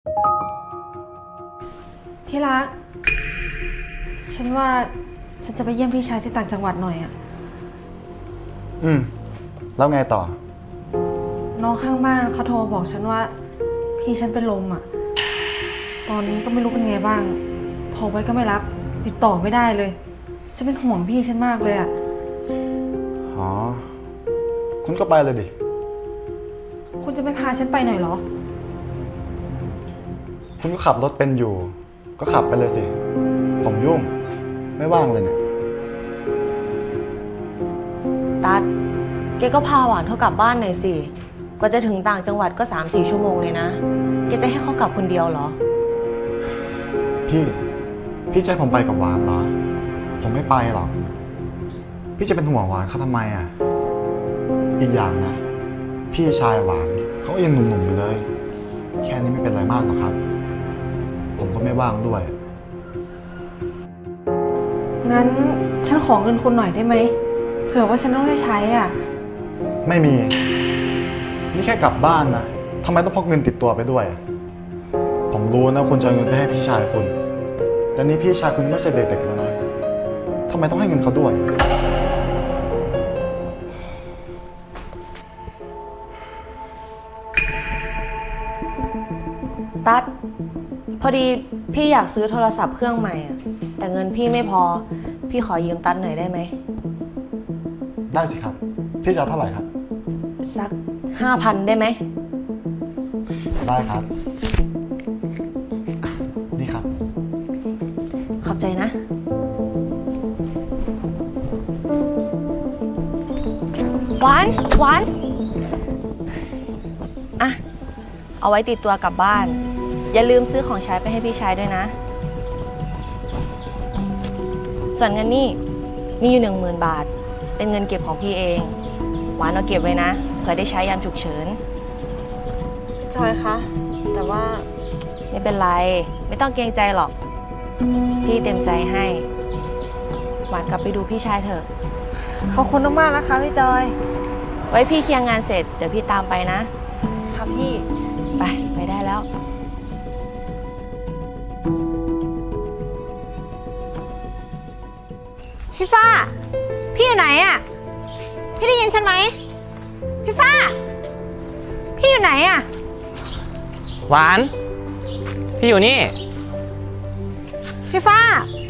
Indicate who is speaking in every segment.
Speaker 1: ที่รัก ฉันว่าฉันจะไปเยี่ยมพี่ชายที่ต่างจังหวัดหน่อยอะ
Speaker 2: แล้วไงต่อ
Speaker 1: น้องข้างบ้านเขาโทรบอกฉันว่าพี่ฉันเป็นลมอะตอนนี้ก็ไม่รู้เป็นไงบ้าง โทรไปก็ไม่รับ ติดต่อไม่ได้เลย ฉันเป็นห่วงพี่ฉันมากเลยอะ
Speaker 2: อ๋อ คุณก็ไปเลยดิ
Speaker 1: คุณจะไม่พาฉันไปหน่อยเหรอ
Speaker 2: คุณก็ขับรถเป็นอยู่ ก็ขับไปเลยสิ ผมยุ่ง ไม่ว่างเลยเนี่ย
Speaker 3: ตัดแกก็พาหวานเขากลับบ้านหน่อยสิ กว่าจะถึงต่างจังหวัดก็ 3-4 ชั่วโมงเลยนะ แกจะให้เขากลับคนเดียวเหรอ
Speaker 2: พี่จะให้ผมไปกับหวานเหรอ ผมไม่ไปหรอก พี่จะเป็นห่วงหวานเขาทำไมอ่ะ อีกอย่างนะ พี่ชายหวานเขาก็ยังหนุ่มๆอยู่เลย แค่นี้ไม่เป็นไรมากหรอกครับ ผมก็ไม่ว่างด้วย
Speaker 1: งั้นฉันขอเงินคุณหน่อยได้ไหม เผื่อว่าฉันต้องได้ใช้อ่ะ
Speaker 2: ไม่มี นี่แค่กลับบ้านนะทำไมต้องพกเงินติดตัวไปด้วย ผมรู้นะคุณจะเอาเงินไปให้พี่ชายคุณ แต่นี่พี่ชายคุณไม่ใช่เด็กๆแล้วนะทำไมต้องให้เงินเขาด้วย
Speaker 3: ตัดพอดีพี่อยากซื้อโทรศัพท์เครื่องใหม่อะแต่เงินพี่ไม่พอ พี่ขอยืมตัดหน่อยได้ไหม
Speaker 2: ได้สิครับ พี่จะเอาเท่าไหร่ครับ
Speaker 3: สัก 5,000 ได้ไหม
Speaker 2: ได้ครับ นี่ครับ
Speaker 3: ขอบใจนะ หวานอะเอาไว้ติดตัวกลับบ้าน อย่าลืมซื้อของใช้ไปให้พี่ชายด้วยนะ ส่วนเงินนี่มีอยู่ 10,000 บาท เป็นเงินเก็บของพี่เอง หวานเอาเก็บไว้นะเผื่อได้ใช้ยามฉุกเฉิน
Speaker 1: จอยคะ แต่ว่า
Speaker 3: ไม่เป็นไร ไม่ต้องเกรงใจหรอก พี่เต็มใจให้ หวานกลับไปดูพี่ชายเถอะ
Speaker 1: ขอบคุณมากๆนะคะพี่จอย
Speaker 3: ไว้พี่เคลียร์งานเสร็จเดี๋ยวพี่ตามไปนะ
Speaker 1: ค่ะพี่
Speaker 3: ไปได้แล้ว
Speaker 4: พี่ฟ้า พี่อยู่ไหนอะพี่ได้ยินฉันไหม พี่ฟ้า พี่อยู่ไหนอะ
Speaker 5: หวาน พี่อยู่นี่
Speaker 4: พี่ฟ้า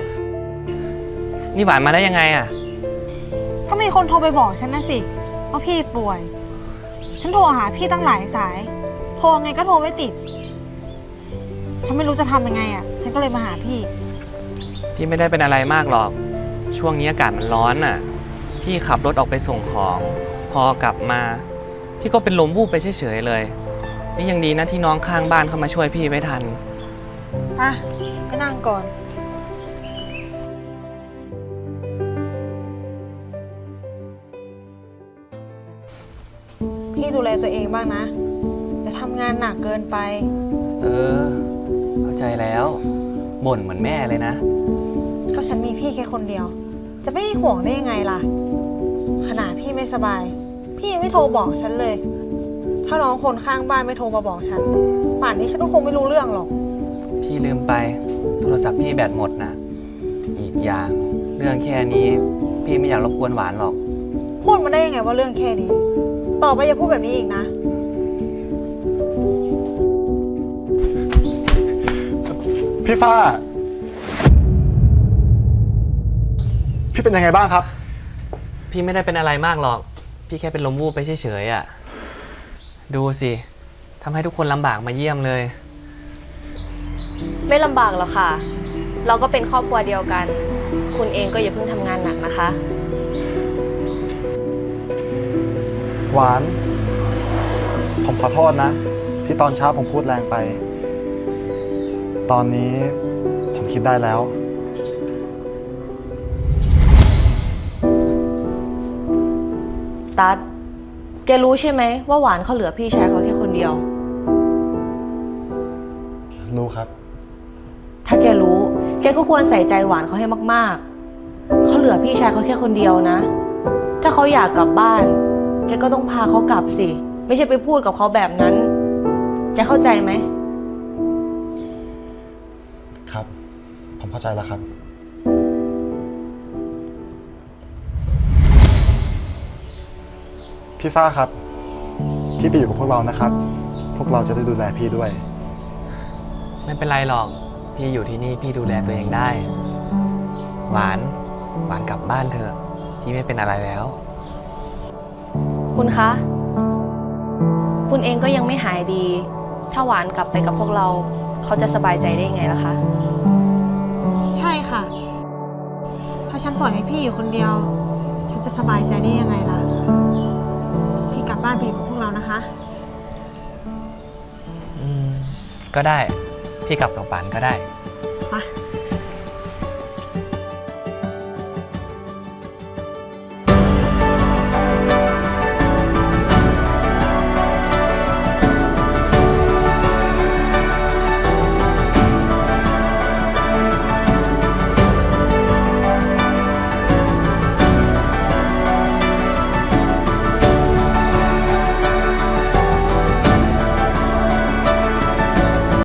Speaker 5: นี่หวานมาได้ยังไงอ่ะ
Speaker 4: ก็มีคนโทรไปบอกฉันนะสิว่าพี่ป่วย ฉันโทรหาพี่ตั้งหลายสาย โทรไงก็โทรไม่ติด ฉันไม่รู้จะทำยังไงอะฉันก็เลยมาหาพี่
Speaker 5: พี่ไม่ได้เป็นอะไรมากหรอก ช่วงนี้อากาศมันร้อนน่ะ พี่ขับรถออกไปส่งของ พอกลับมา พี่ก็เป็นลมวูบไปเฉยๆเลย นี่ยังดีนะที่น้องข้างบ้านเข้ามาช่วยพี่ไว้ทัน
Speaker 4: ไปนั่งก่อน
Speaker 1: พี่ดูแลตัวเองบ้างนะอย่าทำงานหนักเกินไป
Speaker 5: เออ เข้าใจแล้ว บ่นเหมือนแม่เลยนะ
Speaker 1: ก็ฉันมีพี่แค่คนเดียว จะไม่ห่วงได้ยังไงล่ะ ขนาดพี่ไม่สบาย พี่ยังไม่โทรบอกฉันเลย ถ้าน้องคนข้างบ้านไม่โทรมาบอกฉัน ป่านนี้ฉันก็คงไม่รู้เรื่องหรอก
Speaker 5: พี่ลืมไป โทรศัพท์พี่แบตหมดนะอีกอย่าง เรื่องแค่นี้ พี่ไม่อยากรบกวนหวานหรอก
Speaker 1: พูดมาได้ยังไงว่าเรื่องแค่นี้ ต่อไปอย่าพูดแบบนี้อีกนะ
Speaker 2: พี่ฟ้า พี่เป็นยังไงบ้างครับ
Speaker 5: พี่ไม่ได้เป็นอะไรมากหรอก พี่แค่เป็นลมวูบไปเฉยๆอ่ะ ดูสิทำให้ทุกคนลำบากมาเยี่ยมเลย
Speaker 3: ไม่ลำบากหรอกค่ะ เราก็เป็นครอบครัวเดียวกัน คุณเองก็อย่าเพิ่งทำงานหนักนะคะ
Speaker 2: หวาน ผมขอโทษนะ ที่ตอนเช้าผมพูดแรงไป ตอนนี้ผมคิดได้แล้ว
Speaker 3: ตัด แกรู้ใช่ไหมว่าหวานเขาเหลือพี่ชายเขาแค่คนเดียว
Speaker 2: รู้ครับ
Speaker 3: ถ้าแกรู้ แกก็ควรใส่ใจหวานเขาให้มากๆ เขาเหลือพี่ชายเขาแค่คนเดียวนะ ถ้าเขาอยากกลับบ้าน แกก็ต้องพาเขากลับสิ ไม่ใช่ไปพูดกับเขาแบบนั้น แกเข้าใจไหม
Speaker 2: ครับ ผมเข้าใจแล้วครับ พี่ฟ้าครับ พี่ไปอยู่กับพวกเรานะครับ พวกเราจะได้ดูแลพี่ด้วย
Speaker 5: ไม่เป็นไรหรอก พี่อยู่ที่นี่พี่ดูแลตัวเองได้ หวานกลับบ้านเถอะ พี่ไม่เป็นอะไรแล้ว
Speaker 3: คุณคะ คุณเองก็ยังไม่หายดี ถ้าหวานกลับไปกับพวกเรา เขาจะสบายใจได้ไงล่ะคะ
Speaker 1: ใช่ค่ะ ถ้าฉันปล่อยให้พี่อยู่คนเดียว ฉันจะสบายใจได้ยังไงล่ะ พี่กลับบ้านไปอยู่กับพวกเรานะคะ
Speaker 5: ก็ได้ พี่กลับกับหวานก็ได้
Speaker 1: ไป